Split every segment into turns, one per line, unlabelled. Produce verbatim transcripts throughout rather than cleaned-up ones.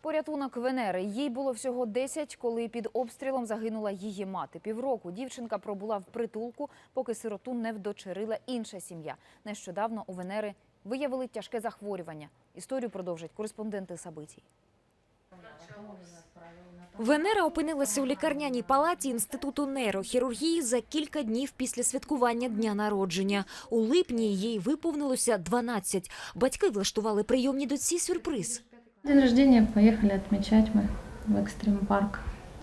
Порятунок Венери. Їй було всього десять, коли під обстрілом загинула її мати. Півроку дівчинка пробула в притулку, поки сироту не вдочерила інша сім'я. Нещодавно у Венери виявили тяжке захворювання. Історію продовжать кореспонденти Сабитій.
Венера опинилася у лікарняній палаті Інституту нейрохірургії за кілька днів після святкування дня народження. У липні їй виповнилося дванадцять. Батьки влаштували прийомній дочці сюрприз.
День рождения поехали отмечать мы в экстрим-парк.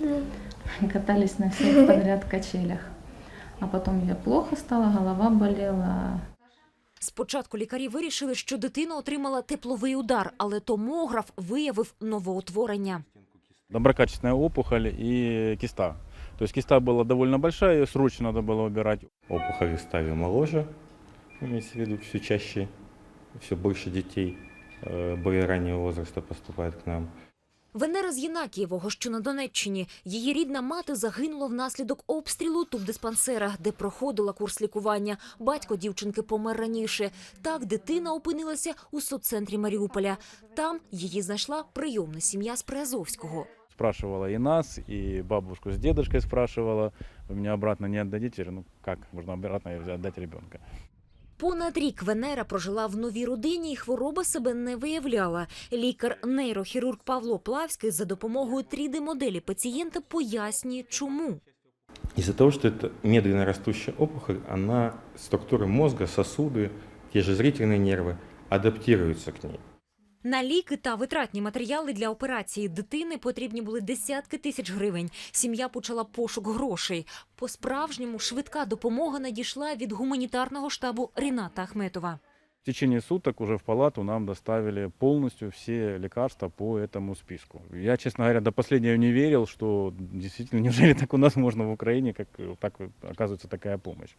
Катались на всех подряд качелях. А потом ей плохо стало, голова болела.
Спочатку лікарі вирішили, що дитина отримала тепловий удар, але томограф виявив новоутворення.
Доброкачественная опухоль и киста. То есть киста была довольно большая, ее срочно надо было убирать.
Опухоли стали моложе, имеется в виду все чаще, все больше детей более раннего возраста поступает к нам.
Венера з Єнакієвого, що на Донеччині. Її рідна мати загинула внаслідок обстрілу тубдиспансера, де проходила курс лікування. Батько дівчинки помер раніше. Так дитина опинилася у соццентрі Маріуполя. Там її знайшла прийомна сім'я з Приазовського.
Спрашивала и нас, и бабушку с дедушкой спрашивала. Вы меня обратно не отдадите? Ну как можно обратно отдать ребенка?
Понад рік Венера прожила в новій родині і хвороба себе не виявляла. Лікар-нейрохірург Павло Плавський за допомогою три дэ-моделі пацієнта пояснює, чому.
Из-за того, что это медленно растущая опухоль, она, структуры мозга, сосуды, те же зрительные нервы адаптируются к ней.
На ліки та витратні матеріали для операції дитини потрібні були десятки тисяч гривень. Сім'я почала пошук грошей. По-справжньому швидка допомога надійшла від гуманітарного штабу Ріната Ахметова.
В течение суток уже в палату нам доставили полностью все лекарства по этому списку. Я, честно говоря, до последнего не верил, что действительно, неужели так у нас можно в Украине, как так оказывается такая помощь.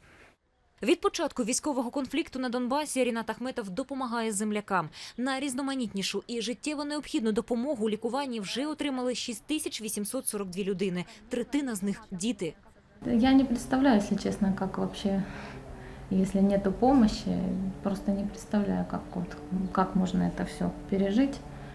Від початку військового конфлікту на Донбасі Рінат Ахметов допомагає землякам. На різноманітнішу і життєво необхідну допомогу у лікуванні вже отримали шість тисяч вісімсот сорок дві людини. Третина з них – діти.
Я не представляю, если честно, как вообще, если нету помощи, просто не представляю, как, вот, как можно это все пережить.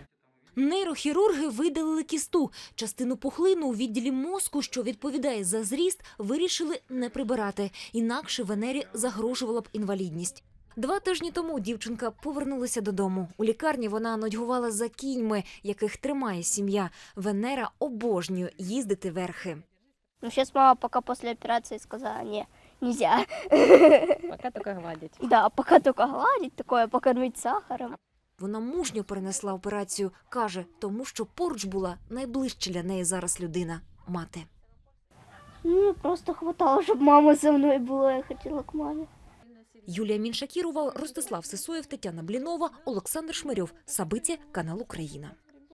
Нейрохірурги видалили кісту. Частину пухлину у відділі мозку, що відповідає за зріст, вирішили не прибирати. Інакше Венері загрожувала б інвалідність. Два тижні тому дівчинка повернулася додому. У лікарні вона нудьгувала за кіньми, яких тримає сім'я. Венера обожнює їздити верхи.
Ну, сейчас мама пока после операции сказала, не, нельзя.
Пока только гладить.
Да, пока только гладить, такое покормить сахаром.
Вона мужньо перенесла операцію. Каже, тому що поруч була найближча для неї зараз людина – мати.
Ну, просто хватало, щоб мама со мною була, я хотіла к мамі.
Юлія Міншакірова, Ростислав Сисоєв, Тетяна Блінова, Олександр Шмирьов. Сабиття, канал Україна.